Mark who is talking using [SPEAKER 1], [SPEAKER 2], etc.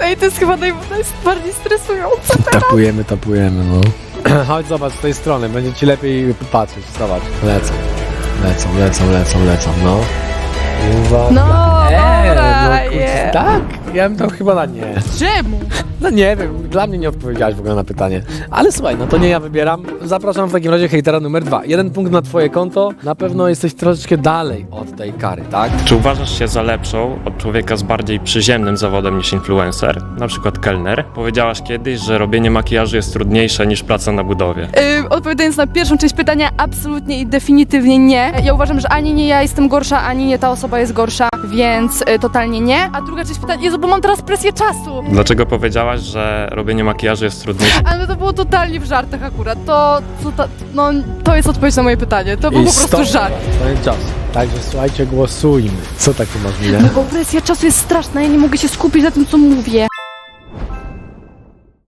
[SPEAKER 1] Ej, to jest chyba najbardziej stresujące.
[SPEAKER 2] Tapujemy, no. Chodź, zobacz z tej strony, będzie ci lepiej patrzeć, zobacz. Lecą, no. Uwaga.
[SPEAKER 1] No, dobra,
[SPEAKER 2] kurczę,
[SPEAKER 1] je.
[SPEAKER 2] tak? Ja bym to chyba na nie.
[SPEAKER 1] Czemu?
[SPEAKER 2] No nie wiem, dla mnie nie odpowiedziałaś w ogóle na pytanie. Ale słuchaj, no to nie ja wybieram. Zapraszam w takim razie hejtera numer 2. 1 punkt na twoje konto. Na pewno jesteś troszeczkę dalej od tej kary, tak?
[SPEAKER 3] Czy uważasz się za lepszą od człowieka z bardziej przyziemnym zawodem niż influencer, na przykład kelner? Powiedziałaś kiedyś, że robienie makijażu jest trudniejsze niż praca na budowie.
[SPEAKER 1] Odpowiadając na pierwszą część pytania, absolutnie i definitywnie nie. Ja uważam, że ani nie ja jestem gorsza, ani nie ta osoba jest gorsza, więc totalnie nie. A druga część pytania, Jezu, bo mam teraz presję czasu.
[SPEAKER 3] Dlaczego powiedziałaś, że robienie makijażu jest trudniejsze?
[SPEAKER 1] Ale to było totalnie w żartach akurat. To jest odpowiedź na moje pytanie. To był po prostu
[SPEAKER 2] stop.
[SPEAKER 1] żart.
[SPEAKER 2] Koniec czasu. Także słuchajcie, głosujmy. Co takie masz minę?
[SPEAKER 1] No bo presja czasu jest straszna, ja nie mogę się skupić na tym, co mówię.